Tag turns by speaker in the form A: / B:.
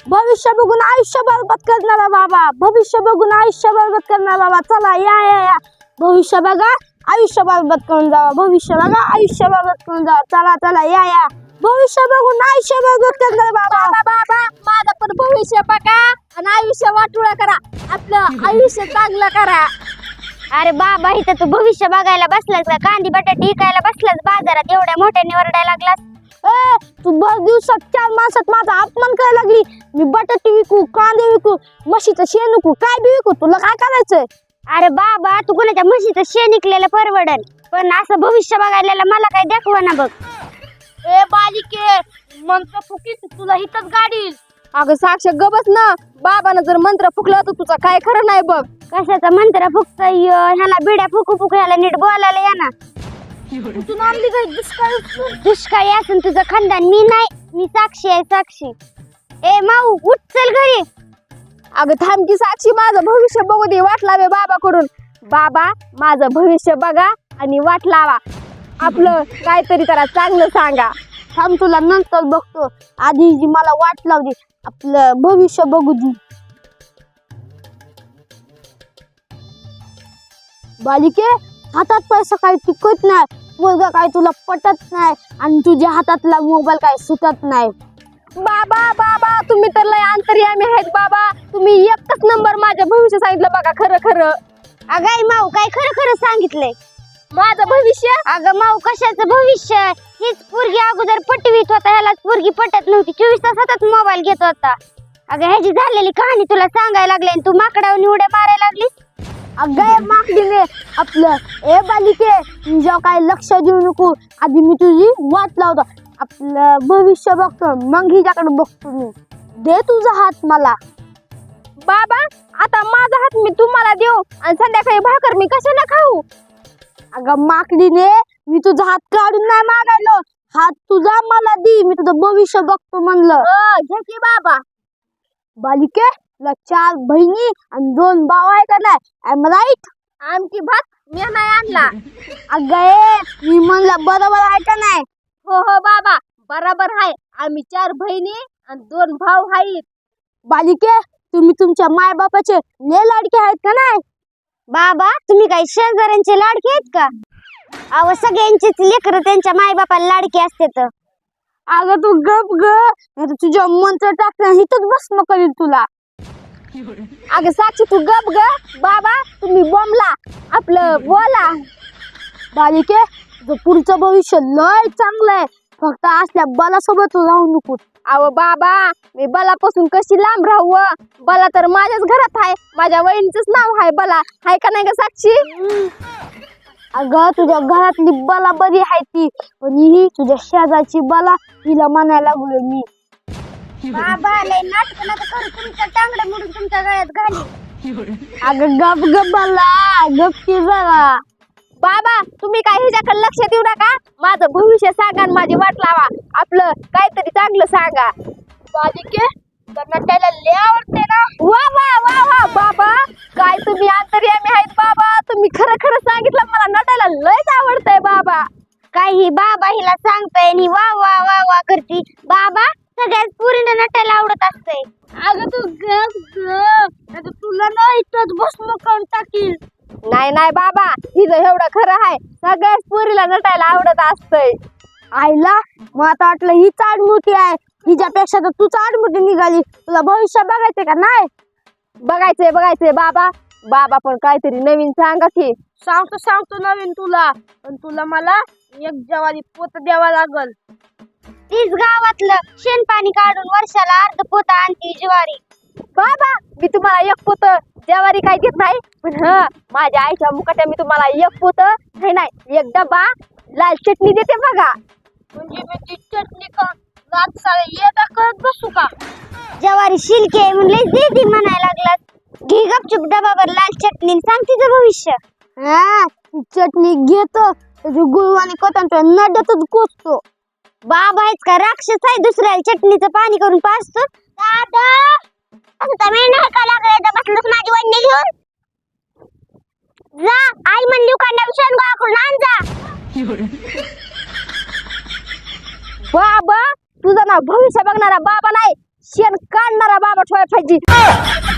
A: भविष्य बघून आयुष्य बरबाद करणारा बाबा, भविष्य बघून आयुष्य बरबाद करणारा बाबा. चला या भविष्य बघा, आयुष्य बरबाद करून जावा. भविष्य बघा, आयुष्य बरबाद करून जावा. चला चला या भविष्य बघून आयुष्य बरबाद करणारा बाबा.
B: बाबा माझं पण भविष्य बघा आणि आयुष्य वाटोळं करा, आपलं आयुष्य चांगलं करा.
C: अरे बाबा इथं तू भविष्य बघायला बसलास का? कांदी बटाटे विकायला बसलास बाजारात, एवढ्या मोठ्याने ओरडायला लागलास.
A: तू बस दिवसात 4 माणसात माझा अपमान करायला लागली. मी बटाटे विकू, कांदे विकू, म्हशीचं शेण विकू, काय बी विकू, तुला काय करायचंय?
C: अरे बाबा तू कोणाच्या म्हशीचं शेण निघलेलं परवडन, पण असं भविष्य बघायला मला काय दाखवा ना बघ.
B: ए बालिके, मंत्र फुकीत तुला हितच गाडील. अगं साक्ष गबस ना, बाबानं जर मंत्र फुकलं तर तुझं काय खरं नाही बघ.
C: कशाचा मंत्र फुकतोय ह्याला बिड्या फुकू ह्याला नीट बोलायला या ना.
B: तू नामली काय
C: दुष्काळी असून तुझं खानदान, मी नाही, मी साक्षी आहे साक्षी. ए माऊ उठ चल घरी.
B: अगं थांब की साक्षी, माझं भविष्य बघू दे, वाट लावे बाबाकडून. बाबा माझं भविष्य बघा आणि वाट लावा, आपलं काहीतरी करा, चांगलं सांगा.
A: थांब तुला नंतर बघतो, आधी जी मला वाट लावली, आपलं भविष्य बघू दे. बालिके, हातात पैसा काही टिकत नाही, मुलगा काय तुला पटत नाही आणि तुझ्या हातातला मोबाईल काय सुटत नाही.
B: बाबा बाबा तुम्ही तर लय अंतर्यामी आहेत बाबा, तुम्ही एकच नंबर माझं भविष्य सांगितलं बघा, खरं खरं.
C: अगाई माऊ काय खरं खरं सांगितलंय.
B: माझं भविष्य
C: अगं माऊ कशाचं भविष्य, हीच पोरगी अगोदर पटवीत होता, ह्यालाच पोरगी पटत नव्हती, 24 तास हातात मोबाईल घेत होता. अगं ह्याची झालेली कहाणी तुला सांगायला लागले आणि तू माकडावरून उड्या मारायला लागलीस.
A: अगं मागडीने आपलं, ए बालिके तुझ्या काय लक्ष देऊ नको, आधी मी तुझी वाट लावतो, आपलं भविष्य बघतो, मग हिच्याकडे बघतो मी. दे तुझा हात मला.
B: बाबा आता माझा हात मी तुम्हाला देऊ आणि संध्याकाळी भाकर मी कशाला खाऊ?
A: अगं माकडीने, मी तुझा हात काढून नाही मागायलो, हात तुझा मला दे, मी तुझं भविष्य बघतो म्हणलं.
B: घे की बाबा.
A: बालिके, तुला 4 बहिणी आणि 2 भाऊ आहे का नाही? I right?
B: आमची भात मी नाही आणला.
A: अगं मी म्हणलं बरोबर आहे का नाही?
B: हो हो बाबा बरोबर आहे, आम्ही 4 बहिणी आणि 2 भाऊ आहेत.
A: बालिके, तुम्ही तुमच्या माय बापाचे लय लाडके आहेत का नाही?
C: बाबा तुम्ही काही शेजाऱ्यांचे लाडके आहेत का? अहो सगळ्यांचेच लेकर त्यांच्या माय बापाला लाडके असतात.
A: अगं तू गप ग, नाहीतर तुझ्या मंत्र टाकण्या हिथंच भस्म करील तुला.
B: अगं साक्षी तू गप ग, बाबा तुम्ही बोंबला, आपलं बोला.
A: बालिके, तुझं पुढचं भविष्य लय चांगलं आहे, फक्त असल्या बलासोबत तू राहू नको.
B: अहो बाबा मी बलापासून कशी लांब राहू? बला तर माझ्याच घरात आहे, माझ्या वहिनीचंच नाव आहे बला, हाय का नाही ग साक्षी?
A: अगं तुझ्या घरातली बला बरी आहे ती, पण ही तुझ्या शेजारची बला, हिला म्हणायला लागलोय मी.
C: बाबा लय नाटक नका करू, तुमचं टांगडं मोडून तुमच्या गळ्यात घाली.
A: अगं गप गप बला, गप की जरा.
B: बाबा तुम्ही काय ह्याच्याकडे लक्ष देऊ नका, माझं भविष्य सांगा आणि माझी वाट लावा, आपलं काहीतरी चांगलं सांगा. बालिके नटायला लय आवडते ना? वा वा वा वा बाबा, काय तुम्ही अंतर्यामी आहेत बाबा, तुम्ही खरं खरं सांगितलं, मला नटायला लयच आवडतंय बाबा.
C: काही बाबा हिला सांगताय आणि वा वा वा वा करती. बाबा सगळ्यात पुरीला नटायला आवडत असतंय.
A: अगं तू गप ग, तुला ना इथंच भस्म करून टाकील.
B: नाही नाही बाबा, हिचं एवढं खरं आहे, सगळ्याच पोरीला नटायला आवडत असतंय.
A: आईला मग आता वाटलं ही चाडमुठी आहे, हिच्यापेक्षा तर तू चाडमुठी निघाली. तुला भविष्य बघायचे का नाही?
B: बघायचंय बघायचंय बाबा, बाबा पण काहीतरी नवीन सांगा की.
A: सांगतो नवीन तुला, पण तुला मला 1 ज्वारी पोत द्यावा लागल.
C: तीच गावातलं शेण पाणी काढून वर्षाला अर्ध पोता आणती ज्वारी.
B: बाबा मी तुम्हाला 1 पोत ज्वारी काय देत नाही, पण माझ्या आईच्या मुकाट्या मी तुम्हाला 1 पोत नाही 1 डबा लाल चटणी देते बघा.
A: म्हणजे मी ती चटणी का रात सारे येता करत बसू का?
C: ज्वारी शिलके आहे म्हणले दे म्हणायला लागलात. घे गपचूप डबावर लाल चटणी, सांग तिचं भविष्य.
A: ती चटणी घेतो, त्याची गुळवाणी कोटांच्या नड्यातच कोचतो.
C: बाबा आहेच का राक्षस आहे, दुसऱ्याला चटणीचं पाणी करून पाजतो. दादा असं तर मी नाही का लागलं बसलोस माझी वडणी घेऊन. जा आई म्हणली उकांड्या विषयान गोळा करून आण जा.
B: बाबा तुझं नाव भविष्य बघणारा बाबा नाही, शेण काढणारा बाबा ठेवायला पाहिजे